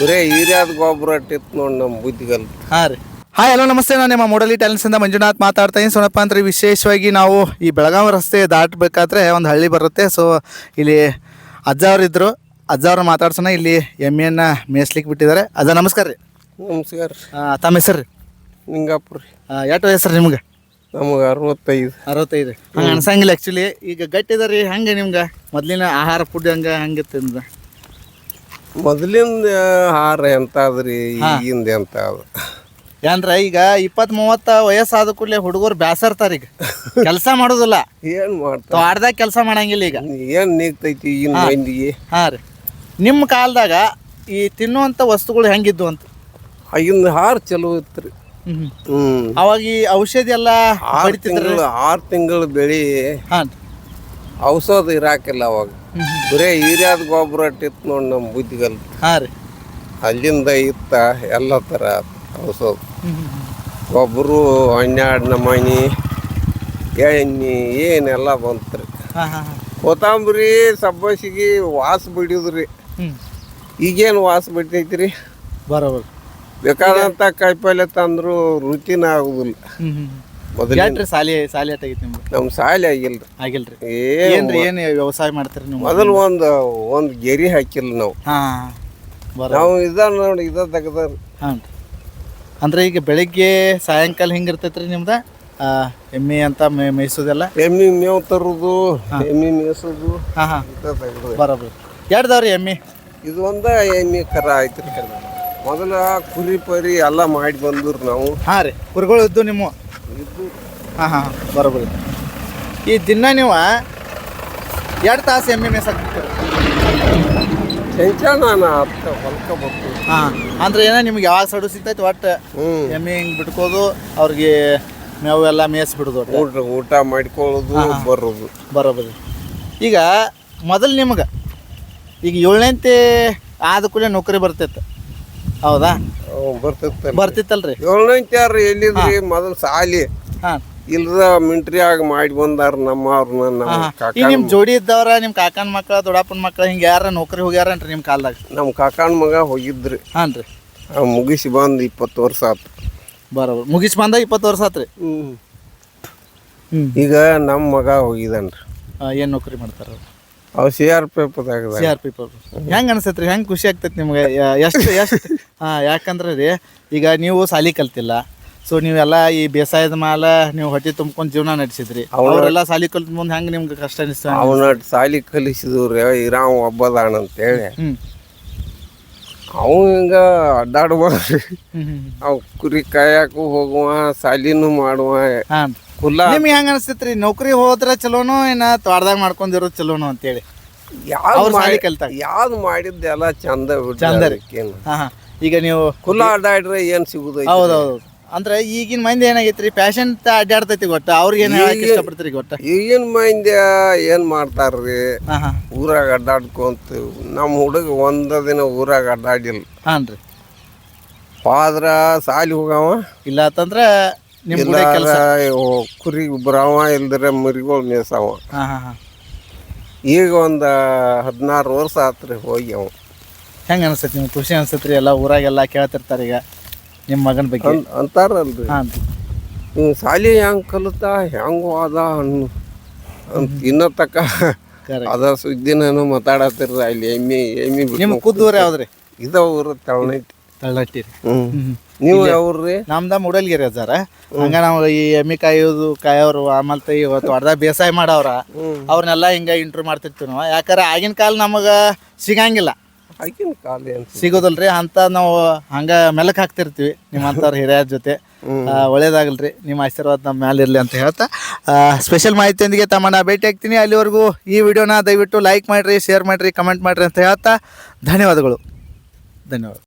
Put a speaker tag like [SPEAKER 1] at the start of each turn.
[SPEAKER 1] ಬರೇ ಹಿರಿಯಾದ ಗೊಬ್ಬರ ಇಟ್ಟಿತ್ತು ನೋಡಿ ನಮ್ಮ ಬುದ್ಧಿಗಲ್.
[SPEAKER 2] ಹಾಂ ರೀ. ಹಾಯ್ ಹಲೋ ನಮಸ್ತೆ, ನಾನು ನಿಮ್ಮ ಮೊಡಲಿ ಟ್ಯಾಲೆಂಟ್ಸಿಂದ ಮಂಜುನಾಥ್ ಮಾತಾಡ್ತಾ ಇದ್ದೀನಿ. ಸೋನಪ್ಪ ಅಂದ್ರೆ ವಿಶೇಷವಾಗಿ ನಾವು ಈ ಬೆಳಗಾವಿ ರಸ್ತೆ ದಾಟಬೇಕಾದ್ರೆ ಒಂದು ಹಳ್ಳಿ ಬರುತ್ತೆ. ಸೊ ಇಲ್ಲಿ ಅಜ್ಜ ಅವ್ರು ಇದ್ದರು, ಅಜ್ಜ ಅವ್ರನ್ನ ಮಾತಾಡ್ಸೋಣ. ಇಲ್ಲಿ ಎಮ್ಮೆಯನ್ನು ಮೇಯಿಸ್ಲಿಕ್ಕೆ ಬಿಟ್ಟಿದ್ದಾರೆ. ಅಜ್ಜ ನಮಸ್ಕಾರ ರೀ.
[SPEAKER 1] ನಮಸ್ಕಾರ ರೀ.
[SPEAKER 2] ತಮ್ಮ ಹೆಸರು ರೀ?
[SPEAKER 1] ನಿಂಗಾಪುರ ರೀ.
[SPEAKER 2] ಎಷ್ಟು ವಯಸ್ಸು ನಿಮ್ಗೆ?
[SPEAKER 1] ನಮಗೆ 65
[SPEAKER 2] ರೀ. ಹಂಗೆ ಅನ್ಸಂಗಿಲ್ಲ ಆ್ಯಕ್ಚುಲಿ. ಈಗ ಗಟ್ಟಿದ ರೀ. ಹಂಗೆ ನಿಮ್ಗೆ ಮೊದಲಿನ ಆಹಾರ ಫುಡ್ ಹಂಗಿತ್ತು ನಿಮ್ದು?
[SPEAKER 1] ಮೊದಲಿಂದ ಆಹಾರ ಎಂತ ಅದ್ರಿ, ಈಗಿಂದ ಎಂತ ಅದು
[SPEAKER 2] ಏನ್ರ ಈಗ 20-30 ವಯಸ್ಸಾದ ಕೂಡಲೇ ಹುಡುಗರು ಬ್ಯಾಸರ್ತಾರ. ಈಗ ಕೆಲಸ ಮಾಡೋದಿಲ್ಲ,
[SPEAKER 1] ಏನು ಮಾಡ್ತಾರೆ,
[SPEAKER 2] ತೋಟದಾಗ ಕೆಲಸ ಮಾಡಂಗಿಲ್ಲ. ಈಗ
[SPEAKER 1] ಏನು ನೀಗ್ತೈತಿ ಈಗಿನ ಮಂದಿಗೆ.
[SPEAKER 2] ಹಾಂ ರೀ. ನಿಮ್ಮ ಕಾಲದಾಗ ಈ ತಿನ್ನುವಂಥ ವಸ್ತುಗಳು ಹೆಂಗಿದ್ವು ಅಂತ?
[SPEAKER 1] ಆಗಿನ ಆಹಾರ ಚಲೋ ಇತ್ತು ರೀ.
[SPEAKER 2] ಅವಾಗ ಈ ಔಷಧಿ ಎಲ್ಲ
[SPEAKER 1] 6 ತಿಂಗಳು ಬೆಳಿ.
[SPEAKER 2] ಹಾಂ.
[SPEAKER 1] ಔಷಧ ಇರಾಕಿಲ್ಲ ಅವಾಗ. ಬರೇ ಹಿರಿಯಾದ ಗೊಬ್ಬರ ಇಟ್ಟಿತ್ತು ನೋಡಿ ನಮ್ಮ ಬುದ್ಧಿಗಲ್.
[SPEAKER 2] ಹಾಂ ರೀ.
[SPEAKER 1] ಅಲ್ಲಿಂದ ಇತ್ತ ಎಲ್ಲ ಥರ ಔಷಧ ಗೊಬ್ಬರು 12 ನಮೂನಿ ಎಣ್ಣೆ ಏನೆಲ್ಲ ಬಂತು ರೀ. ಕೊತ್ತಂಬರಿ ಸಬ್ಬಸಿಗೆ ವಾಸ ಬಿಡಿದ್ರಿ. ಈಗೇನು ವಾಸ ಬಿಡ್ತೈತಿ ರೀ.
[SPEAKER 2] ಬರೋಬರ್.
[SPEAKER 1] ಬೇಕಾದಂಥ ಕಾಯಿಪಲ್ಲೆ ತಂದ್ರು ರುಚಿನ ಆಗುದಿಲ್ಲ.
[SPEAKER 2] ಮೊದಲು ಸಾಲಿ ಆಟಾಗಿತ್ತು ನಿಮ್ಗೆ? ನಮ್ಮ
[SPEAKER 1] ಸಾಲಿ ಆಗಿಲ್ರಿ.
[SPEAKER 2] ಆಗಿಲ್ರಿ.
[SPEAKER 1] ಏನು
[SPEAKER 2] ವ್ಯವಸಾಯ ಮಾಡ್ತೀರಿ ನೀವು?
[SPEAKER 1] ಮೊದಲು ಒಂದು ಗೆರಿ ಹಾಕಿಲ್ಲ ನಾವು. ನಾವು ನೋಡಿ ತೆಗ್ದ.
[SPEAKER 2] ಹಾಂ. ಅಂದ್ರೆ ಈಗ ಬೆಳಿಗ್ಗೆ ಸಾಯಂಕಾಲ ಹಿಂಗಿರ್ತೈತ್ರಿ ನಿಮ್ದು ಎಮ್ಮೆ ಅಂತ ಮೇಯಿಸೋದೆಲ್ಲ?
[SPEAKER 1] ಎಮ್ಮೆ ಮೇವು ತರೋದು, ಎಮ್ಮೆ ಮೇಯಿಸೋದು.
[SPEAKER 2] ಹಾಂ ಹಾಂ, ಬರೋಬ್ರಿ. ಎರಡ್ದವ್ರಿ ಎಮ್ಮೆ? ಇದು
[SPEAKER 1] ಒಂದ ಎಮ್ಮೆ ಕರ ಆಯ್ತು ರೀ. ಮೊದಲ ಕುರಿ ಪರಿ ಎಲ್ಲ ಮಾಡಿ ಬಂದ್ರು ನಾವು.
[SPEAKER 2] ಹಾಂ ರೀ. ಕುರಿಗಳು ಇದ್ದು ನಿಮ್ಮ?
[SPEAKER 1] ಇದ್ದು.
[SPEAKER 2] ಹಾಂ ಹಾಂ, ಬರೋಬ್ರಿ. ಈ ದಿನ ನೀವು 2 ತಾಸು ಎಮ್ಮೆ ಮೇಯ್ಸಾಕ್ತಿರ್ತೀರಿ?
[SPEAKER 1] ನಾನು ಹೊಲ್ಕ ಬರ್ತೀವಿ.
[SPEAKER 2] ಹಾಂ. ಅಂದ್ರೆ ಏನೋ ನಿಮ್ಗೆ ಯಾವಾಗ ಸಡು ಸಿಗ್ತೈತಿ ಒಟ್ಟು ಎಮ್ಮೆ ಹಿಂಗೆ ಬಿಟ್ಕೋದು, ಅವ್ರಿಗೆ ಮೇವು ಎಲ್ಲ ಮೇಯಿಸ್ಬಿಡೋದು,
[SPEAKER 1] ಊಟ ಮಾಡ್ಕೊಳ್ಳೋದು, ಬರೋದು.
[SPEAKER 2] ಬರೋಬರಿ. ಈಗ ಮೊದಲು ನಿಮ್ಗೆ ಈಗ 7ನೇ ಆದ ಕೂಡಲೇ ನೌಕರಿ ಬರ್ತೈತೆ, ಹೌದಾ? ಬರ್ತಿತ್ತಲ್ರಿ.
[SPEAKER 1] 7ನೇ ಎಲ್ಲಿದ್ರಿ ಮೊದಲು ಸಾಲಿ.
[SPEAKER 2] ಹಾಂ.
[SPEAKER 1] ಇಲ್ದ ಮಿಂಟ್ರಿಯಾಗ ಮಾಡಿ ಬಂದಾರ ನಮ್ಮವ್ರನ್ನ.
[SPEAKER 2] ಈಗ ನಿಮ್ಮ ಜೋಡಿ ಇದ್ದವ್ರ, ನಿಮ್ಮ ಕಾಕನ ಮಕ್ಕಳ, ದೊಡ್ಡಪ್ಪನ ಮಕ್ಕಳ ಹಿಂಗೆ ಯಾರ ನೌಕರಿ ಹೋಗ್ಯಾರನ್ರಿ ನಿಮ್ಮ ಕಾಲದಾಗ?
[SPEAKER 1] ನಮ್ಮ ಕಾಕನ ಮಗ ಹೋಗಿದ್ರಿ.
[SPEAKER 2] ಹಾಂ ರೀ.
[SPEAKER 1] ಮುಗಿಸಿ ಬಂದು 20 ವರ್ಷ ಆತು.
[SPEAKER 2] ಬರೋಬರ್. ಮುಗಿಸಿ ಬಂದ 20 ವರ್ಷ ಆತ್ರಿ.
[SPEAKER 1] ಈಗ ನಮ್ಮ ಮಗ ಹೋಗಿದನ್ರಿ.
[SPEAKER 2] ಏನು ನೌಕರಿ ಮಾಡ್ತಾರ?
[SPEAKER 1] ಅವ್ CRP.
[SPEAKER 2] ಹೆಂಗೆ ಅನ್ಸತ್ರಿ? ಹೆಂಗೆ ಖುಷಿ ಆಗ್ತೈತಿ ನಿಮ್ಗೆ? ಎಷ್ಟು? ಹಾಂ. ಯಾಕಂದ್ರೆ ರೀ ಈಗ ನೀವು ಸಾಲಿ ಕಲ್ತಿಲ್ಲ. ಸೊ ನೀವೆಲ್ಲ ಈ ಬೇಸಾಯದ ಮಾಲ ನೀವು ಹೊಟ್ಟೆ ತುಂಬ್ಕೊಂಡು ಜೀವನ ನಡೆಸಿದ್ರಿ. ಅವರೆಲ್ಲ ಸಾಲಿ ಕಲ್ತ ಮುಂದೆ ಹೆಂಗೆ ನಿಮ್ಗೆ ಕಷ್ಟ ಅನಿಸ್ತ?
[SPEAKER 1] ಅವನ ಸಾಲಿ ಕಲಿಸಿದ್ರಿ ಇರಾವ್ ಒಬ್ಬದಾಣ ಅಂತೇಳಿ. ಅವು ಹಿಂಗ ಅಡ್ಡಾಡ್ಬೋದ್ರಿ. ಅವ್ ಕುರಿ ಕಾಯಕು ಹೋಗುವ, ಸಾಲಿನೂ ಮಾಡುವ.
[SPEAKER 2] ಹಾಂ. ನಿಮ್ಗೆ ಹೆಂಗೆ ಅನಿಸ್ತೈತ್ರಿ? ನೌಕರಿ ಹೋದ್ರೆ ಚಲೋನೋ ಏನ ತೋಟದಾಗ ಮಾಡ್ಕೊಂಡಿರೋದು ಚಲೋನೋ ಅಂತೇಳಿ?
[SPEAKER 1] ಯಾವ್ದು ಮಾಡಿದ್ದ ಎಲ್ಲ ಚಂದ
[SPEAKER 2] ಚಂದ ರೀ. ಹಾಂ ಹಾಂ. ಈಗ ನೀವು
[SPEAKER 1] ಕುಲ್ಲ ಅಡ್ಡಾಡ್ರೆ ಏನು ಸಿಗುದ?
[SPEAKER 2] ಹೌದೌದು. ಅಂದ್ರೆ ಈಗಿನ ಮಂದಿ ಏನಾಗೈತ್ರಿ, ಪ್ಯಾಷನ್ ಅಡ್ಡಾಡ್ತೈತಿ. ಗೊತ್ತ ಅವ್ರಿಗೆ ಏನು ಇಷ್ಟಪಡ್ತೀರಿ? ಗೊತ್ತ ಈಗಿನ
[SPEAKER 1] ಮಂದಿ ಏನು ಮಾಡ್ತಾರ್ರಿ, ಊರಾಗ ಅಡ್ಡಾಡ್ಕೊಂತ. ನಮ್ಮ ಹುಡುಗ ಒಂದ ದಿನ ಊರಾಗ ಅಡ್ಡಾಡಿಲ್ಲ.
[SPEAKER 2] ಹಾಂ ರೀ.
[SPEAKER 1] ಆದ್ರ ಸಾಲಿ ಹೋಗವ
[SPEAKER 2] ಇಲ್ಲ ಅಂತಂದ್ರೆ
[SPEAKER 1] ಕುರಿ ಬರವ, ಇಲ್ದ್ರೆ ಮರಿಗಳು ಮೇಯ್ಸವ. ಈಗ ಒಂದು 16 ವರ್ಷ ಆತ್ರಿ ಹೋಗಿ. ಅವ
[SPEAKER 2] ಹೆಂಗೆ ಅನ್ಸತ್ರಿ ನಿಮ್ಗೆ? ಖುಷಿ ಅನ್ಸತ್ರಿ? ಎಲ್ಲ ಊರಾಗೆಲ್ಲ ಕೇಳ್ತಿರ್ತಾರೆ ಈಗ ನಿಮ್ಮ ಮಗನ ಬಗ್ಗೆ
[SPEAKER 1] ಅಂತಾರಲ್ರಿ.
[SPEAKER 2] ಹಾಂ.
[SPEAKER 1] ನೀವು ಸಾಲಿ ಹೆಂಗೆ ಕಲಿತ ಹೆಂಗೆ ಹೋದ ಅಂತ ಇನ್ನೂ ತಕ್ಕ ಅದ ಸುದ್ದಿನೂ ಮಾತಾಡತ್ತಿರ. ಅಲ್ಲಿ ಎಮ್ಮೆ
[SPEAKER 2] ನಿಮ್ಮ ಖುದ್ದೂರು ಯಾವ್ದ್ರಿ?
[SPEAKER 1] ಇದ ಊರು ತಳನಟ್ಟಿ.
[SPEAKER 2] ತಳ್ಳಟ್ಟಿ ರೀ.
[SPEAKER 1] ನೀವು ಯಾವ್ರಿ?
[SPEAKER 2] ನಮ್ದ ಮೂಡಲ್ಗಿರಿ ಅಜ್ಜಾರ. ಹಂಗ ನಾವು ಈ ಎಮ್ಮೆ ಕಾಯೋರು ಆಮೇಲೆ ಇವತ್ತು ಹೊಡೆದಾಗ ಬೇಸಾಯ ಮಾಡವ್ರ ಅವ್ರನ್ನೆಲ್ಲ ಹಿಂಗೆ ಇಂಟ್ರ್ಯೂ ಮಾಡ್ತಿರ್ತೀವಿ ನಾವು. ಯಾಕಂದ್ರೆ ಆಗಿನ ಕಾಲ ನಮಗೆ ಸಿಗಂಗಿಲ್ಲ.
[SPEAKER 1] ಆಗಿನ ಕಾಲ
[SPEAKER 2] ಸಿಗೋದಲ್ರಿ ಅಂತ ನಾವು ಹಂಗೆ ಮೆಲಕ್ ಹಾಕ್ತಿರ್ತೀವಿ ನಿಮ್ಮಂಥವ್ರ ಹಿರಿಯರ ಜೊತೆ. ಒಳ್ಳೇದಾಗಲ್ರಿ, ನಿಮ್ಮ ಆಶೀರ್ವಾದ ನಮ್ಮ ಮೇಲೆ ಇರಲಿ ಅಂತ ಹೇಳ್ತಾ ಸ್ಪೆಷಲ್ ಮಾಹಿತಿಯೊಂದಿಗೆ ತಮ್ಮನ್ನ ಭೇಟಿ ಆಗ್ತೀನಿ. ಅಲ್ಲಿವರೆಗೂ ಈ ವಿಡಿಯೋನ ದಯವಿಟ್ಟು ಲೈಕ್ ಮಾಡಿರಿ, ಶೇರ್ ಮಾಡಿರಿ, ಕಮೆಂಟ್ ಮಾಡಿರಿ ಅಂತ ಹೇಳ್ತಾ ಧನ್ಯವಾದಗಳು.